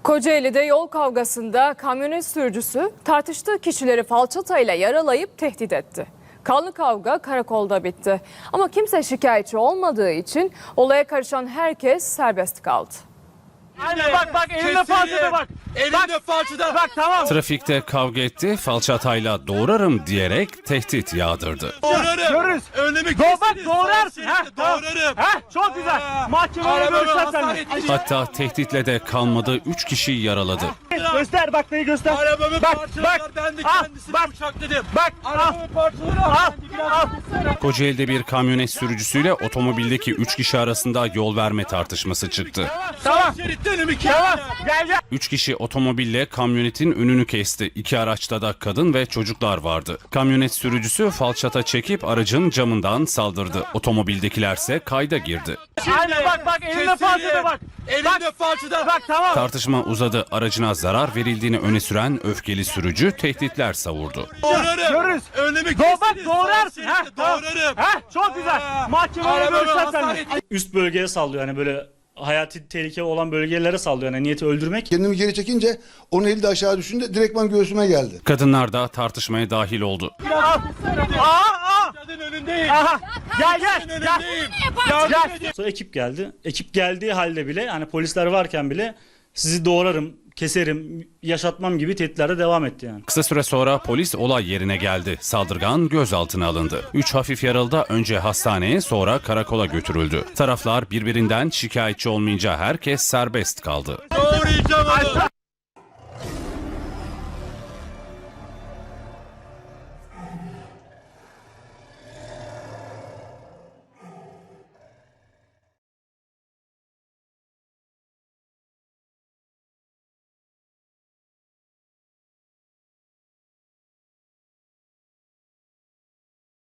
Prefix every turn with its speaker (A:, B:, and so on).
A: Kocaeli'de yol kavgasında kamyonet sürücüsü tartıştığı kişileri falçatayla yaralayıp tehdit etti. Kanlı kavga karakolda bitti. Ama kimse şikayetçi olmadığı için olaya karışan herkes serbest kaldı.
B: Aynen bak elinde falçata bak. Elinde falçata bak tamam.
C: Trafikte kavga etti, falçatayla doğrarım diyerek tehdit yağdırdı.
B: Görürüz. Önümü bak doğrarsın. Doğrarım. Çok güzel. Mahkemeye görüşeceğiz seninle.
C: Hatta tehditle de kalmadı, 3 kişiyi yaraladı.
B: Göster bak neyi göster. Arabamı parçalar ben de kendisini bıçakladım. Bak arabamı parçalar
C: Kocaeli'de bir kamyonet sürücüsüyle otomobildeki 3 kişi arasında yol verme tartışması çıktı.
B: Tamam. Tamam. Gel.
C: 3 kişi otomobille kamyonetin önünü kesti. 2 araçta da kadın ve çocuklar vardı. Kamyonet sürücüsü falçata çekip aracın camından saldırdı. Otomobildekilerse kayda girdi.
B: Aynen bak elinde falçata bak. Elinde falçata bak tamam.
C: Tartışma uzadı. Aracına zarar verildiğini öne süren öfkeli sürücü tehditler savurdu.
B: Görürüz. Önümü bak doğrarsın. Doğrarım. Çok güzel. Mahkemeye görüşeceğiz seninle.
D: Üst bölgeye sallıyor, hani böyle hayati tehlike olan bölgelere sallıyor, yani niyeti öldürmek.
E: Kendimi geri çekince onun eli de aşağı düşünce direktman göğsüme geldi.
C: Kadınlar da tartışmaya dahil oldu.
B: Kadın önündeyim. Gel.
D: Sonra ekip geldi. Ekip geldiği halde bile, hani polisler varken bile sizi doğrarım, keserim, yaşatmam gibi tehditlerde devam etti yani.
C: Kısa süre sonra polis olay yerine geldi. Saldırgan gözaltına alındı. 3 hafif yaralı da önce hastaneye sonra karakola götürüldü. Taraflar birbirinden şikayetçi olmayınca herkes serbest kaldı.
B: Doğrayacağım onu.